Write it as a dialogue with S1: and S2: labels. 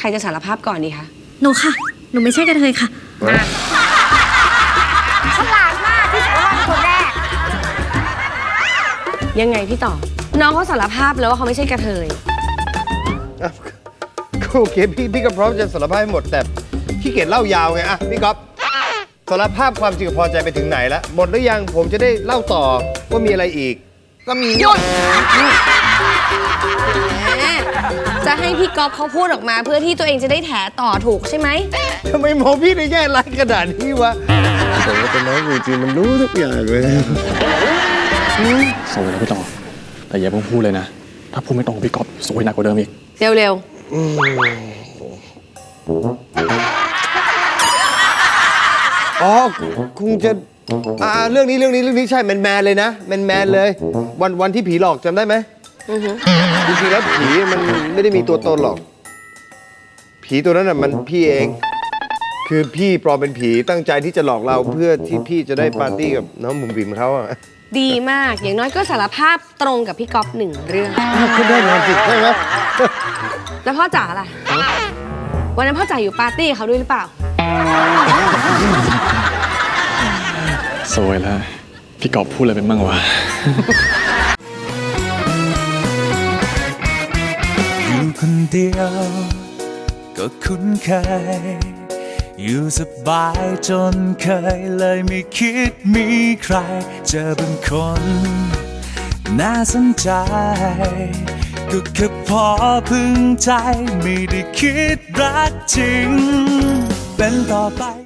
S1: รจะสารภาพก่อนดีคะ
S2: หนูค่ะ หนูไม่ใช่กระเทยค่ะ
S3: ฉลาดมากที่สารภาพเป็นคนแรก
S1: ยังไงพี่ต่อน้องเขาสารภาพแล้วว่าเขาไม่ใช่กระเทย
S4: โอเคพี่ก็พร้อมจะสารภาพให้หมดแต่ขี้เกียจเล่ายาวไงอะพี่ก๊อฟสารภาพความจริงกับพอใจไปถึงไหนแล้วหมดหรือยังผมจะได้เล่าต่อว่ามีอะไรอีกก็มี
S1: หยุดจะให้พี่ก๊อฟเขาพูดออกมาเพื่อที่ตัวเองจะได้แถต่อถูกใช่ไหม
S4: ทำไมมองพี่ในแง่ร้ายขนาดนี้วะแต่ว่าเป็นน้องจริงๆมันรู้ทุกอย่างเลย
S5: สวยนะพี่ต่อแต่อย่าเพิ่งพูดเลยนะถ้าพูดไม่ตรงพี่ก๊อฟสวยหนักกว่าเดิมอีก
S1: เร็ว
S4: อ๋อคงจะเรื่องนี้ใช่แมนเลยนะแมนเลยวันที่ผีหลอกจำได้ไหมจริงๆแล้วผีมันไม่ได้มีตัวตนหรอกผีตัวนั้นน่ะมันพี่เองคือพี่ปลอมเป็นผีตั้งใจที่จะหลอกเราเพื่อที่พี่จะได้ปาร์ตี้กับน้องบุ๋มบิ๋มเขาอะ
S1: ดีมากอย่างน้อยก็สารภาพตรงกับพี่ก๊อฟ1 เรื่อง
S4: คุณได้ความผิดใช่ไหม
S1: แล้วพ่อจ๋าล่ะวันนั้นพ่อจ๋าอยู่ปาร์ตี้เขาด้วยหรือเปล่า
S5: สวยแล้วพี่ก๊อฟพูดอะไรเป็นบ้างวะ
S6: อยู่คนเดียวก็คุ้นเคยอยู่สบายจนเคยเลยไม่คิดมีใครเจอเป็นคนน่าสนใจก็แค่พอพึงใจไม่ได้คิดรักจริงเป็นต่อไป